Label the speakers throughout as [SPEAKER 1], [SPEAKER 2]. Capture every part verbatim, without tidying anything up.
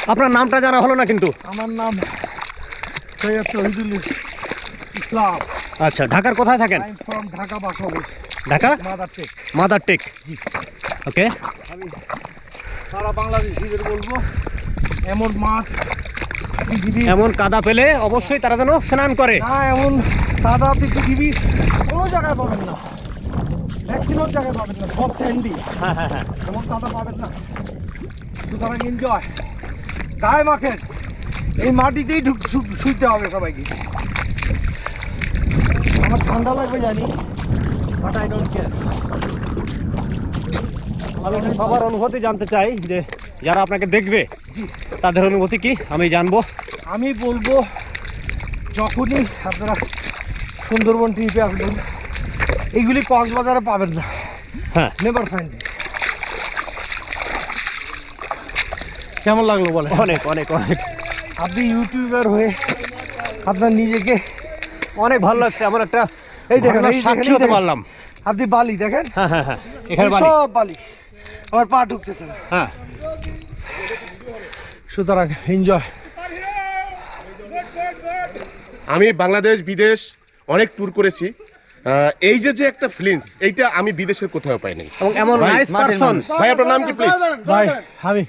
[SPEAKER 1] আপনার নামটা জানা হলো না কিন্তু।
[SPEAKER 2] আমার নাম সৈয়দ শহীদুল ইসলাম।
[SPEAKER 1] আচ্ছা, ঢাকার কোথায় থাকেন?
[SPEAKER 2] I am from Dhaka Basabo.
[SPEAKER 1] Dhaka
[SPEAKER 2] Madartek.
[SPEAKER 1] Madartek.
[SPEAKER 2] জি।
[SPEAKER 1] ওকে।
[SPEAKER 2] আমি সারা বাংলাদেশিদের বলবো এমন মাঠ পৃথিবী,
[SPEAKER 1] এমন কাদা পেলে অবশ্যই তারা যেন স্নান করে।
[SPEAKER 2] না এমন কাদা আপনি পৃথিবী কোনো জায়গায় পাবেন না, ম্যাক্সিমাম জায়গায় পাবেন না, সব স্যান্ডি।
[SPEAKER 1] হ্যাঁ হ্যাঁ হ্যাঁ।
[SPEAKER 2] এমন কাদা পাবেন না। সুতরাং এনজয়, গায়ে মাখেন, এই মাটিতেই ঢুক শু- শুইতে হবে সবাইকে। আমার ঠান্ডা লাগবে জানি, বাট আই ডোন্ট কেয়ার।
[SPEAKER 1] আমি একটু সবার অনুভূতি জানতে চাই, যে যারা আপনাকে দেখবে তাদের অনুভূতি কি আমি জানবো।
[SPEAKER 2] আমি বলবো যখনই আপনারা সুন্দরবন ট্রিপে আসবেন, এইগুলি কক্সবাজারে পাবেন না।
[SPEAKER 1] হ্যাঁ,
[SPEAKER 2] নেভার ফাইন্ড ইট। কেমন লাগলো বলে?
[SPEAKER 1] অনেক অনেক অনেক
[SPEAKER 2] আপনি ইউটিউবার হয়ে আপনার নিজেকে
[SPEAKER 1] অনেক ভালো লাগছে। আমার একটা
[SPEAKER 2] এই দেখেন,
[SPEAKER 1] ঘটনার
[SPEAKER 2] এই
[SPEAKER 1] সাক্ষী
[SPEAKER 2] দেখেন, এই
[SPEAKER 1] হতে
[SPEAKER 2] দেখেন।
[SPEAKER 1] পারলাম।
[SPEAKER 2] আপনি বালি দেখেন,
[SPEAKER 1] হ্যাঁ হ্যাঁ হ্যাঁ, এখানে বাড়ি।
[SPEAKER 2] সব বালি, আমার পা ঢুকতেছে না।
[SPEAKER 1] হ্যাঁ,
[SPEAKER 2] সুতরাং এনজয়।
[SPEAKER 3] আমি বাংলাদেশ বিদেশ অনেক ট্যুর করেছি। আহ, এই যে যে একটা ফিলিংস, এইটা আমি বিদেশের কোথাও পাই নাই।
[SPEAKER 1] এবং এমন
[SPEAKER 3] ভাই,
[SPEAKER 1] নাইস পারসন।
[SPEAKER 3] ভাই আপনার নাম কি প্লিজ?
[SPEAKER 2] ভাই আমি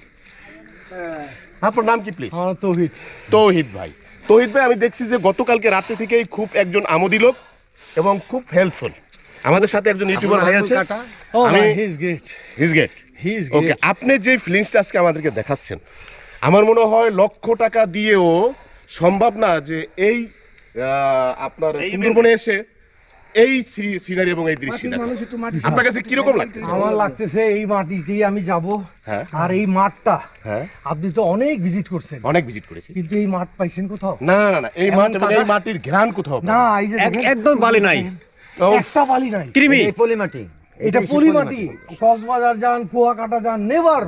[SPEAKER 3] আপনার নাম কি প্লিজ?
[SPEAKER 2] আমার তৌহিদ।
[SPEAKER 3] তৌহিদ ভাই। তৌহিদ ভাই, আমি দেখছি যে গতকালকে রাতে থেকেই খুব একজন আমোদি লোক এবং খুব হেল্পফুল। আমাদের সাথে একজন ইউটিউবার ভাই আছে,
[SPEAKER 2] ও
[SPEAKER 3] আমি
[SPEAKER 2] ভাই, he is great,
[SPEAKER 3] his gate.
[SPEAKER 2] He is
[SPEAKER 3] okay,
[SPEAKER 2] great.
[SPEAKER 3] আপনি যে ফিলিংসটা আজকে আমাদেরকে দেখাচ্ছেন, আমার মনে হয় লক্ষ টাকা দিয়েও সম্ভব না যে এই আহ, আপনার সুন্দরবনে এসে এই সিনারি এবং এই দৃশ্য দেখা।
[SPEAKER 2] মানুষ একটু মাটি
[SPEAKER 3] আপনার কাছে কিরকম লাগছে?
[SPEAKER 2] আমার লাগতেছে এই মাটিতেই আমি যাব।
[SPEAKER 3] হ্যাঁ
[SPEAKER 2] আর এই মাঠটা
[SPEAKER 3] হ্যাঁ,
[SPEAKER 2] আপনি তো অনেক ভিজিট করছেন,
[SPEAKER 3] অনেক ভিজিট করেছি।
[SPEAKER 2] কিন্তু এই মাঠ পাইছেন কোথাও?
[SPEAKER 3] না না না, এই
[SPEAKER 2] এমন
[SPEAKER 3] মাঠ এবং এই
[SPEAKER 2] কাদা-
[SPEAKER 3] মাটির ঘ্রাণ কোথাও পাই
[SPEAKER 2] না,
[SPEAKER 3] না।
[SPEAKER 2] এই যে
[SPEAKER 1] এক-
[SPEAKER 2] দেখেন,
[SPEAKER 1] একদম বালি নাই।
[SPEAKER 3] ও,
[SPEAKER 2] একটা বালি নাই।
[SPEAKER 1] কৃমি।
[SPEAKER 4] পলি মাটি,
[SPEAKER 2] এটা পলি মাটি। কক্সবাজার যান, কুয়াকাটা যান, নেভার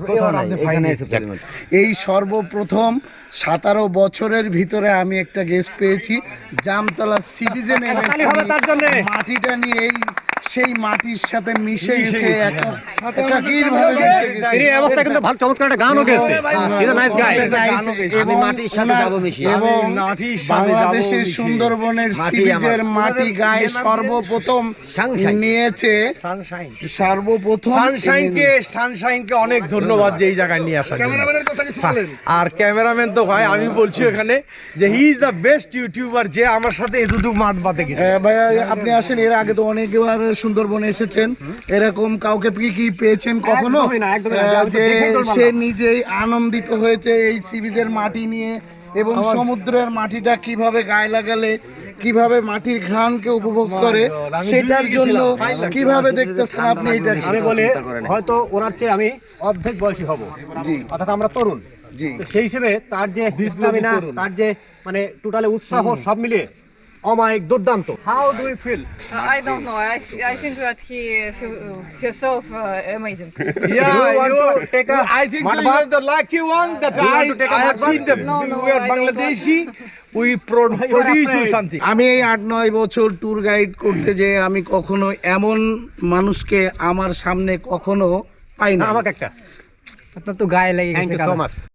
[SPEAKER 5] এই সর্বপ্রথম সতেরো বছরের ভিতরে আমি একটা গেস্ট পেয়েছি জামতলা সি বিচে নেমে
[SPEAKER 1] তালি হবে তার জন্যে।
[SPEAKER 5] মাটিটা নিয়ে এই সেই মাটির সাথে মিশে গেছে, একা- একাকীরভাবে মিশে গেছে।
[SPEAKER 1] এই অবস্থা কিন্তু ভালো, চমৎকার একটা গানও গেছে। Is a nice guy.
[SPEAKER 4] আমি মাটির সাথে যাবো মিশিয়ে।
[SPEAKER 5] এবং
[SPEAKER 2] আমি মাটির সাথে
[SPEAKER 5] বাংলাদেশের
[SPEAKER 2] যাবো মিশিয়ে।
[SPEAKER 5] সুন্দরবনের
[SPEAKER 4] মাটি
[SPEAKER 5] সি বিচের
[SPEAKER 4] আমার।
[SPEAKER 5] মাটি গায়ে সর্বপ্রথম
[SPEAKER 4] সানশাইন।
[SPEAKER 5] নিয়েছে,
[SPEAKER 2] সানশাইন।
[SPEAKER 5] সর্বপ্রথম
[SPEAKER 2] সানশাইনকে সানশাইনকে অনেক ধন্যবাদ যে এই জায়গায় নিয়ে আসার জন্য।
[SPEAKER 5] ক্যামেরাম্যানের কথা কিছু বলেন।
[SPEAKER 2] আর ক্যামেরাম্যান তো ভাই আমি বলছি এখানে যে he is the best youtuber, যে আমার সাথে এতটুকু মাঠ বাতে গেছে।
[SPEAKER 5] হ্যাঁ ভাইয়া, আপনি আসেন, এর আগে তো অনেকবার সুন্দরবনে এসেছেন, এরকম কাউকে কি কি পেয়েছেন কখনো
[SPEAKER 1] একদমই না, একদমই না।
[SPEAKER 5] আহ,
[SPEAKER 1] আমি তো
[SPEAKER 5] যে
[SPEAKER 1] দেখেই তো বললাম।
[SPEAKER 5] সে নিজেই আনন্দিত হয়েছে এই সি বিচের মাটি নিয়ে, এবং সমুদ্রের মাটিটা কিভাবে গায়ে লাগালে কিভাবে মাটির ঘ্রাণকে উপভোগ করে
[SPEAKER 2] আমি
[SPEAKER 5] সেটার
[SPEAKER 2] দুদিকে
[SPEAKER 5] জন্য
[SPEAKER 2] ছিলাম, ফাইন লাগছে।
[SPEAKER 5] কিভাবে দেখতে চান আপনি এটা?
[SPEAKER 1] আমি বলি হয়তো ওনার চেয়ে আমি অর্ধেক বয়সী হব,
[SPEAKER 5] জি
[SPEAKER 1] অর্থাৎ আমরা তরুণ।
[SPEAKER 5] জি
[SPEAKER 1] তো সেই হিসেবে তার যে স্টামিনা, তার যে মানে টোটালি উৎসাহ সব মিলিয়ে অমায়িক দুর্দান্ত। How do you feel?
[SPEAKER 6] I don't know. I, I think that he himself uh, amazing.
[SPEAKER 2] Yeah,
[SPEAKER 1] You want
[SPEAKER 2] you,
[SPEAKER 1] to take a
[SPEAKER 2] I think so
[SPEAKER 1] mud
[SPEAKER 2] you
[SPEAKER 1] bath?
[SPEAKER 2] are the lucky one that
[SPEAKER 1] You
[SPEAKER 2] I,
[SPEAKER 1] want to take a
[SPEAKER 2] I have
[SPEAKER 1] mud
[SPEAKER 2] seen them.
[SPEAKER 6] No, no,
[SPEAKER 2] we are
[SPEAKER 6] I don't
[SPEAKER 2] Bangladeshi. We pro
[SPEAKER 1] You are
[SPEAKER 2] produce you
[SPEAKER 1] afraid.
[SPEAKER 2] something.
[SPEAKER 5] আমি এই আট নয় বছর tour guide করতে যে আমি কখনো এমন মানুষকে আমার সামনে কখনো পাই না।
[SPEAKER 1] আমাকে একটা
[SPEAKER 4] আপনার তো গায়ে লেগে
[SPEAKER 1] থ্যাংক
[SPEAKER 4] গেছে
[SPEAKER 1] ইউ সো
[SPEAKER 4] কাদা।
[SPEAKER 1] মাচ।